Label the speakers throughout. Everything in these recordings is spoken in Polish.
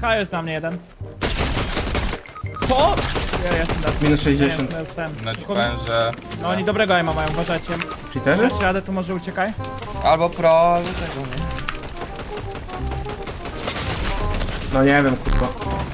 Speaker 1: H jest na mnie jeden. Co? Ja jestem na
Speaker 2: Minus 60.
Speaker 1: Ja jestem.
Speaker 3: No ci powiem, że...
Speaker 1: No oni dobrego aima mają, uważajcie.
Speaker 2: Cheaterzy?
Speaker 1: Jeszcze radę, to może uciekaj.
Speaker 3: Albo pro, albo tego, nie?
Speaker 2: No nie wiem, kurwa.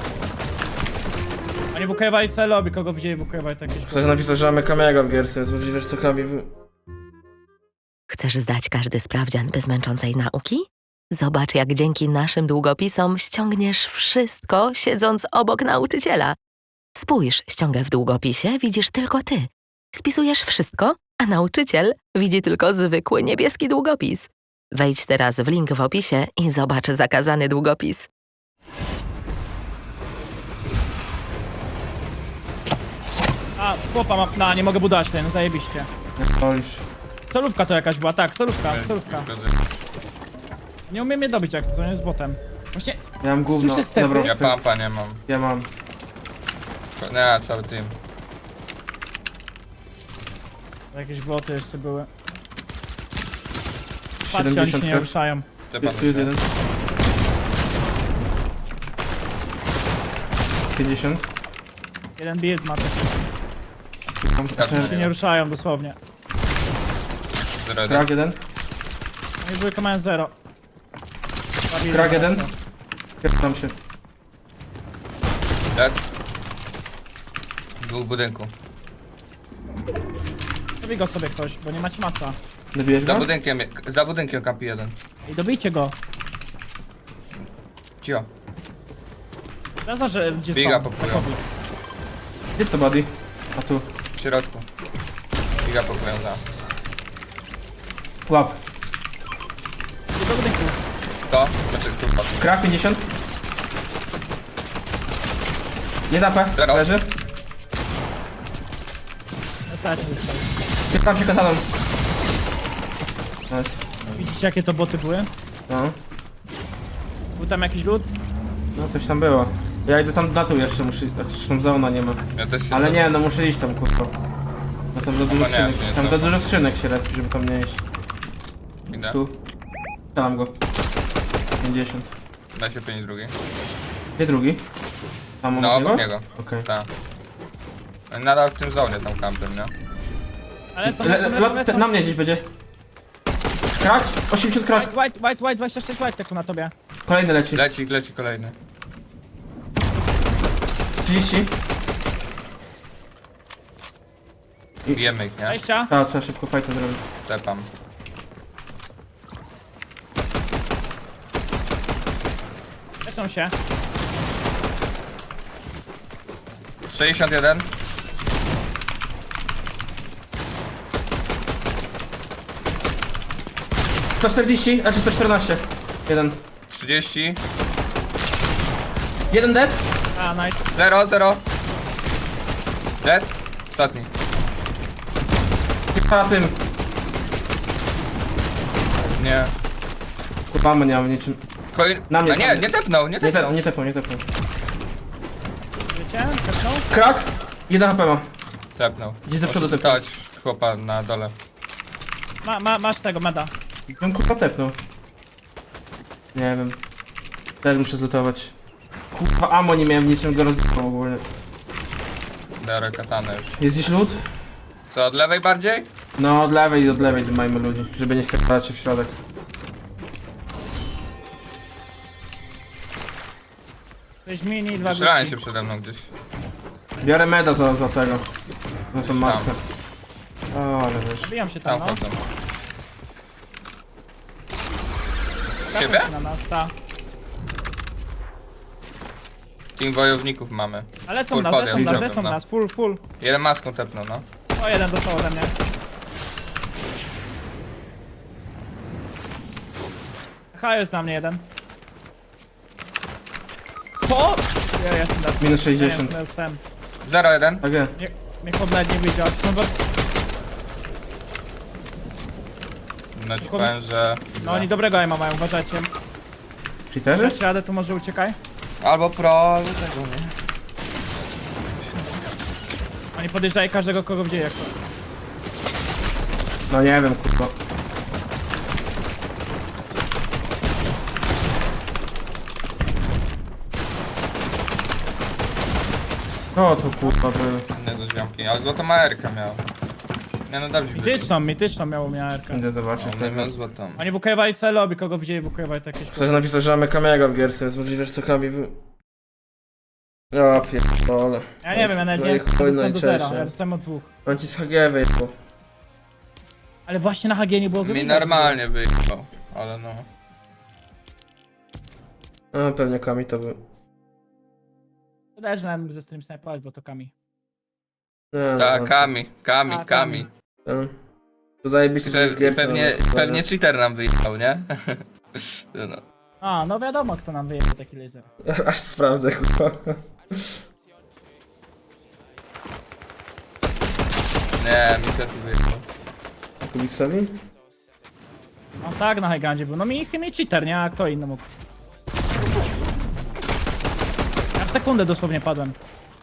Speaker 1: Oni wukajowali całe lobby, kogo widzieli wukajowali to jakieś...
Speaker 2: Ktoś napisał, że mamy Kamiego w gierce, jest możliwe, że to Kami...
Speaker 4: Chcesz zdać każdy sprawdzian bez męczącej nauki? Zobacz, jak dzięki naszym długopisom ściągniesz wszystko, siedząc obok nauczyciela. Spójrz, ściągę w długopisie widzisz tylko ty. Spisujesz wszystko, a nauczyciel widzi tylko zwykły niebieski długopis. Wejdź teraz w link w opisie i zobacz zakazany długopis.
Speaker 1: A, chłopa ma... No, nie mogę budować ten, zajebiście.
Speaker 2: Polisz.
Speaker 1: Solówka to jakaś była, tak, solówka. Nie umiem mnie dobić jak co, nie z botem. Właśnie,
Speaker 2: Ja mam gówno.
Speaker 1: Słyszę stepy.
Speaker 2: Dobra,
Speaker 3: Ja pampa nie mam.
Speaker 2: ja mam.
Speaker 3: Nie, cały team.
Speaker 1: jakieś boty jeszcze były. Patrzcie, oni się
Speaker 2: 70
Speaker 1: nie ruszają.
Speaker 3: Stepan
Speaker 2: Tu jest jeden. 50.
Speaker 1: Jeden build ma taki.
Speaker 3: Ja
Speaker 1: Się nie ruszają dosłownie.
Speaker 3: 0-1.
Speaker 2: Krak jeden.
Speaker 1: Oni dwójka mają 0.
Speaker 2: Krak jeden. Pierdam się.
Speaker 3: Tak? Dwóch w budynku.
Speaker 1: Dobij go sobie ktoś, bo nie macie maca.
Speaker 2: Dobijesz go?
Speaker 3: Za budynkiem kampi jeden.
Speaker 1: I dobijcie go.
Speaker 3: Cio.
Speaker 1: Zaza, że gdzie
Speaker 3: Biga
Speaker 1: są.
Speaker 3: popują.
Speaker 1: takowi.
Speaker 2: Jest to buddy. A tu.
Speaker 3: W środku. Giga pokoją za.
Speaker 2: Łap.
Speaker 1: Idzie do budynku.
Speaker 3: To? Znaczy tu patrz.
Speaker 2: Krak 50. Nie zapę.
Speaker 3: Zero.
Speaker 2: Leży.
Speaker 1: Zostać zostać.
Speaker 2: Pierdam się kataną. Nice.
Speaker 1: Widzicie jakie to boty były?
Speaker 2: No.
Speaker 1: Był tam jakiś lód?
Speaker 2: No coś tam było. Ja idę tam na tu jeszcze, muszę... Zresztą zona nie ma.
Speaker 3: Ja też się
Speaker 2: Ale nie, no muszę iść tam, kurwa. No tam za dużo
Speaker 3: nie,
Speaker 2: skrzynek,
Speaker 3: nie,
Speaker 2: tam
Speaker 3: to-
Speaker 2: za dużo skrzynek się respi, żeby tam nie iść.
Speaker 3: Idę.
Speaker 2: Tu. Strzelam go. 50.
Speaker 3: Da się 5 drugi.
Speaker 2: Gdzie drugi? Tam
Speaker 3: No obok niego.
Speaker 2: Okej.
Speaker 3: Tak. Nadal w tym zonie tam kampem, nie?
Speaker 1: Ale co,
Speaker 2: Na mnie gdzieś będzie. Krak? 80 krak.
Speaker 1: White, 26 white taku na tobie.
Speaker 2: Kolejny leci.
Speaker 3: Leci kolejny.
Speaker 2: 30.
Speaker 3: Bijemy ich, nie?
Speaker 1: 20.
Speaker 2: A, trzeba szybko fajta zrobić.
Speaker 3: Tepam.
Speaker 1: Leczą się.
Speaker 3: 61.
Speaker 2: - 140, znaczy 114. Jeden.
Speaker 3: 30.
Speaker 2: Jeden dead.
Speaker 1: A, nice.
Speaker 3: 0. Dead. Ostatni.
Speaker 2: Na tym.
Speaker 3: Nie.
Speaker 2: Kurwa, nie mam niczym. Na mnie,
Speaker 3: A nie, nie tepnął, nie
Speaker 2: Nie
Speaker 3: tepnął.
Speaker 2: tepnął, nie tepnął, nie tepnął.
Speaker 1: Wiecie? Tepnął?
Speaker 2: Krak. 1 HP ma.
Speaker 3: Tepnął.
Speaker 2: Gdzie do przodu
Speaker 3: Możesz
Speaker 2: tepnął?
Speaker 3: dać chłopa na dole.
Speaker 1: Masz tego meda.
Speaker 2: On kurwa tepnął. Nie wiem. Też muszę zlutować. Kurwa, ammo nie miałem niczym go rozjechał ogólnie.
Speaker 3: Biorę katanę już.
Speaker 2: Jest gdzieś lód?
Speaker 3: Co, od lewej bardziej?
Speaker 2: No od lewej dymajmy ludzi, żeby nie wpierdalać się w środek.
Speaker 1: To jest mini, 2
Speaker 3: Strzelałem
Speaker 1: grupki.
Speaker 3: się przede mną gdzieś.
Speaker 2: Biorę meda za tego. Za tą maskę. O, ale wiesz.
Speaker 1: Bijam się tam,
Speaker 3: Tam
Speaker 1: no.
Speaker 3: chodzą.
Speaker 1: Skakuj
Speaker 3: Ciebie?
Speaker 1: się na nas, ta.
Speaker 3: Team wojowników mamy.
Speaker 1: Ale są
Speaker 3: Full
Speaker 1: nas,
Speaker 3: podjazd
Speaker 1: lecą nas,
Speaker 3: zrobią,
Speaker 1: lecą
Speaker 3: no.
Speaker 1: nas, full.
Speaker 3: Jeden maską tepnął, no.
Speaker 1: O, jeden dostał ode mnie. H jest na mnie jeden. Co? Ja jestem na
Speaker 2: Minus 60.
Speaker 1: Ja jestem.
Speaker 3: 0-1.
Speaker 2: Tak jest.
Speaker 1: Mnie chłop nawet nie widział. Są bo...
Speaker 3: No ci powiem, że...
Speaker 1: No oni dobrego aima mają, uważajcie.
Speaker 2: Cheaterzy?
Speaker 1: Jeszcze radę, to może uciekaj.
Speaker 3: Albo pro, albo tego, nie?
Speaker 1: Oni podjeżdżają każdego, kogo widzieli. Jak...
Speaker 2: No nie wiem, kurwa. O, to kurwa był.
Speaker 3: Nie do ziomki, ale złotą AR-kę miał. Nie no dobrze byli.
Speaker 1: Mityczną miało miarkę.
Speaker 2: Idę zobaczyć
Speaker 3: On
Speaker 2: tego.
Speaker 3: miał złotą.
Speaker 1: Oni wukajowali całe lobby, kogo widzieli wukajowali to jakieś...
Speaker 2: Ktoś napisał, że mamy Kamiego w gierce, więc możliwe, że to Kami był. O pierdole.
Speaker 1: Ja nie wiem, ja nawet
Speaker 2: No
Speaker 1: nie
Speaker 2: i chuj,
Speaker 1: dostałem do
Speaker 2: najczęściej.
Speaker 1: zera, ja dostałem od 2.
Speaker 2: On ci z HG wyjechał.
Speaker 1: Ale właśnie na HG nie było go
Speaker 3: Mi
Speaker 1: widać.
Speaker 3: normalnie wyjechał, ale no.
Speaker 2: No pewnie Kami to był.
Speaker 1: Wydaje, że nawet mógł ze stream snajpować, bo to Kami.
Speaker 2: Nie,
Speaker 3: Tak,
Speaker 2: no,
Speaker 3: Kami.
Speaker 2: no. To zajebiście, że w gierce.
Speaker 3: Pewnie cheater nam wyjechał, nie? No.
Speaker 1: A, no wiadomo kto nam wyjechał taki laser.
Speaker 2: Aż sprawdzę, kurwa.
Speaker 3: Nie, mi to tu wyjechał.
Speaker 2: Kubiksowi?
Speaker 1: No tak, na Highgandzie był. No mi cheater, nie? A kto inny mógł? Ja w sekundę dosłownie padłem.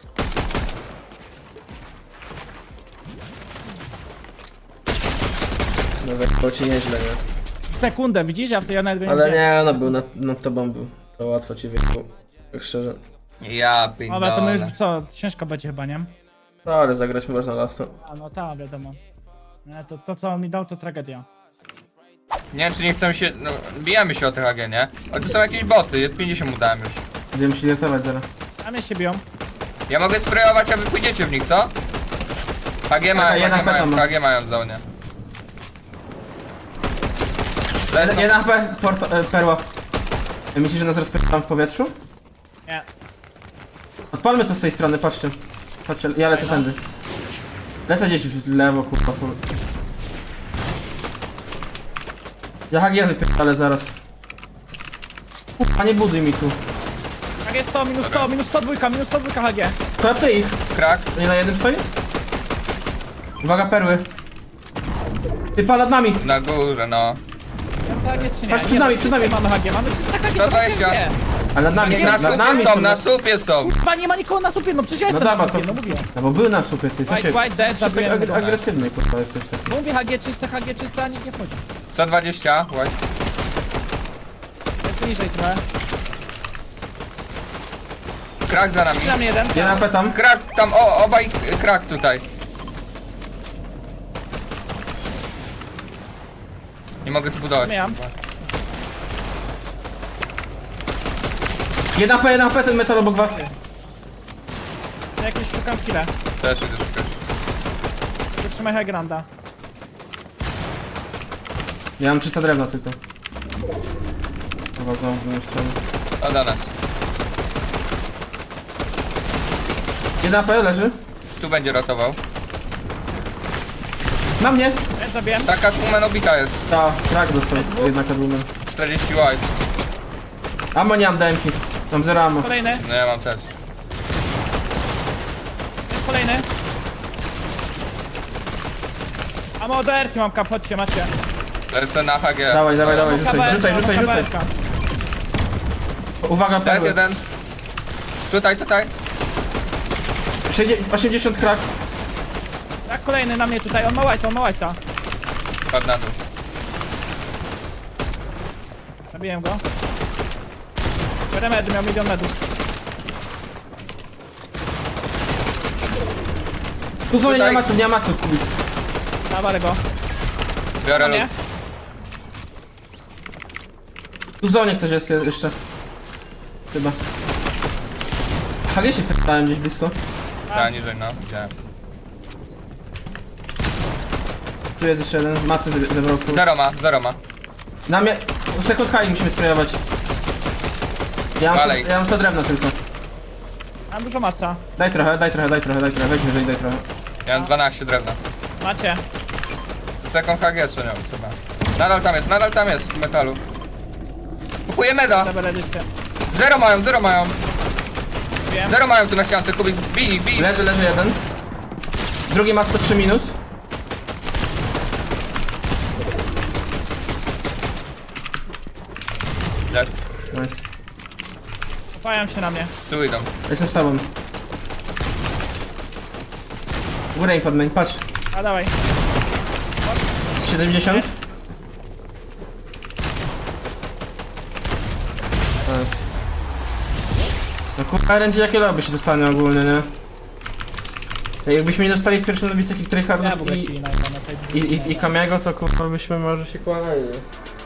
Speaker 2: No wyjechał ci nieźle, nie?
Speaker 1: W sekundę, widzisz? Ja nawet go nie
Speaker 2: Ale
Speaker 1: widziałem.
Speaker 2: nie, no był nad tobą był. To łatwo ci wyjechał. Tak szczerze.
Speaker 3: Ja
Speaker 1: Dobra, to my
Speaker 3: pierdolę.
Speaker 1: już co? Ciężko będzie chyba, nie?
Speaker 2: No ale zagrać można lasto.
Speaker 1: A no tak, wiadomo. Nie, to co on mi dał to tragedia.
Speaker 3: Nie wiem czy nie chcemy się, no bijemy się o tych AG, nie? Ale to są jakieś boty, 50 mu dałem już.
Speaker 2: Będziemy się ratować zaraz.
Speaker 1: A mnie się biją.
Speaker 3: Ja mogę sprayować, a wy pójdziecie w nich, co? HG mają,
Speaker 2: jedna
Speaker 3: HG mają,
Speaker 2: peta ma.
Speaker 3: HG mają w zonie.
Speaker 2: Jeden HP, perła. Myślisz, że nas rozpytam w powietrzu?
Speaker 1: Nie.
Speaker 2: Odpalmy to z tej strony, patrzcie. Patrzcie, ja lecę tędy. Lecę gdzieś w lewo, kurwa. Ja HG wypierdolę zaraz. Kurwa, nie buduj mi tu.
Speaker 1: Tak jest 100, minus 100, minus 102, minus 102 HG.
Speaker 2: Kolapsy ich.
Speaker 3: Krak.
Speaker 2: To nie na jednym stoi? Uwaga, perły. Typa nad nami.
Speaker 3: Na górze, no.
Speaker 1: Tak, czy nie?
Speaker 2: Patrz, przed
Speaker 1: Nie,
Speaker 2: nami,
Speaker 1: no,
Speaker 2: przed nami.
Speaker 1: Mamy HG, mamy 300 HG, to
Speaker 3: 120.
Speaker 1: nie.
Speaker 2: A nad nami,
Speaker 3: Na
Speaker 2: nad nami
Speaker 3: słupie są, na słupie są.
Speaker 1: Kurwa, nie ma nikogo na supie, no przecież ja
Speaker 2: No
Speaker 1: jestem
Speaker 2: dobra,
Speaker 1: na
Speaker 2: to...
Speaker 1: supie, no mówię.
Speaker 2: No bo był na słupie, ty. Co
Speaker 1: White,
Speaker 2: się...
Speaker 1: white, dead,
Speaker 2: tak
Speaker 1: zabiłem go.
Speaker 2: agresywny, kurwa, jesteś.
Speaker 1: Mówię HG czyste, a nikt nie wchodzi.
Speaker 3: 120, white.
Speaker 1: Jest niżej trochę.
Speaker 3: Krak za nami.
Speaker 1: Na mnie jeden.
Speaker 2: Jeden HP tam.
Speaker 3: Krak, tam, obaj krak tutaj. Nie mogę tu budować.
Speaker 1: Miałem.
Speaker 2: Jeden HP, ten metal obok was.
Speaker 1: Ja jakieś szukam kile.
Speaker 3: Też idę szukać.
Speaker 1: Zatrzymaj High Granda.
Speaker 2: Ja mam 300 drewna tylko. Chyba znowu w drugą stronę.
Speaker 3: O, do nas.
Speaker 2: Jeden HP leży.
Speaker 3: Tu będzie ratował.
Speaker 2: Na mnie.
Speaker 1: Ja zabiłem.
Speaker 3: Taka Tumen obita jest.
Speaker 2: Ta, trak dostał. Jednak kadłumen.
Speaker 3: 40 white.
Speaker 2: Ammo nie mam DMki. Mam 0 ammo.
Speaker 1: Kolejny,
Speaker 3: No ja mam też.
Speaker 1: jest kolejny. A moderki mam kap, chodźcie, macie.
Speaker 3: Lecę na HG.
Speaker 2: Dawaj,
Speaker 1: Mam
Speaker 2: rzucaj,
Speaker 1: kabelka,
Speaker 2: rzucaj.
Speaker 1: mam kabelka.
Speaker 2: Uwaga,
Speaker 3: Tak,
Speaker 2: perły.
Speaker 3: jeden. Tutaj.
Speaker 2: 80 krak.
Speaker 1: Tak, kolejny na mnie tutaj, on ma white'a.
Speaker 3: Padł na dół.
Speaker 1: Zabiłem go. Biorę medy, miał 1 000 000 medów.
Speaker 2: Tu zonie
Speaker 3: Tutaj.
Speaker 2: nie ma maców kubić.
Speaker 1: Dawaj go.
Speaker 3: Biorę
Speaker 1: Nie?
Speaker 3: lód.
Speaker 2: Tu w zonie ktoś jest jeszcze. Chyba. Halie się wpytałem gdzieś blisko.
Speaker 3: Tak, niżej, no. Widziałem.
Speaker 2: Tu jest jeszcze jeden. Macy zebrał tu.
Speaker 3: Zero ma.
Speaker 2: Na mnie. Sekund high musimy sprayować.
Speaker 3: Dalej.
Speaker 2: Ja mam 100 drewna tylko.
Speaker 1: Mam dużo maca.
Speaker 2: Daj trochę. Weź wyżej, daj trochę.
Speaker 3: Ja mam 12 drewna.
Speaker 1: Macie.
Speaker 3: Sekund HG co nią chyba. Nadal tam jest w metalu. Kupuję meda.
Speaker 1: Dobra, edycję.
Speaker 3: Zero mają.
Speaker 1: Wiem.
Speaker 3: Zero mają tu na ściance, Kubik. Bij.
Speaker 2: Leży jeden. Drugi ma 103 minus.
Speaker 3: Left.
Speaker 2: Nice.
Speaker 1: Kopają się na mnie.
Speaker 3: Tu idą.
Speaker 2: Jestem z tobą. Górę im podmień, patrz.
Speaker 1: A dawaj.
Speaker 2: 70. No kurwa, RNG jakie lobby się dostanie ogólnie, nie? Jakbyśmy nie dostali w pierwszym lobby takich
Speaker 1: Ja w
Speaker 2: tryhardów
Speaker 1: ogóle
Speaker 2: i
Speaker 1: kili na tej
Speaker 2: Kamiego, to kurwa byśmy może się kłamali.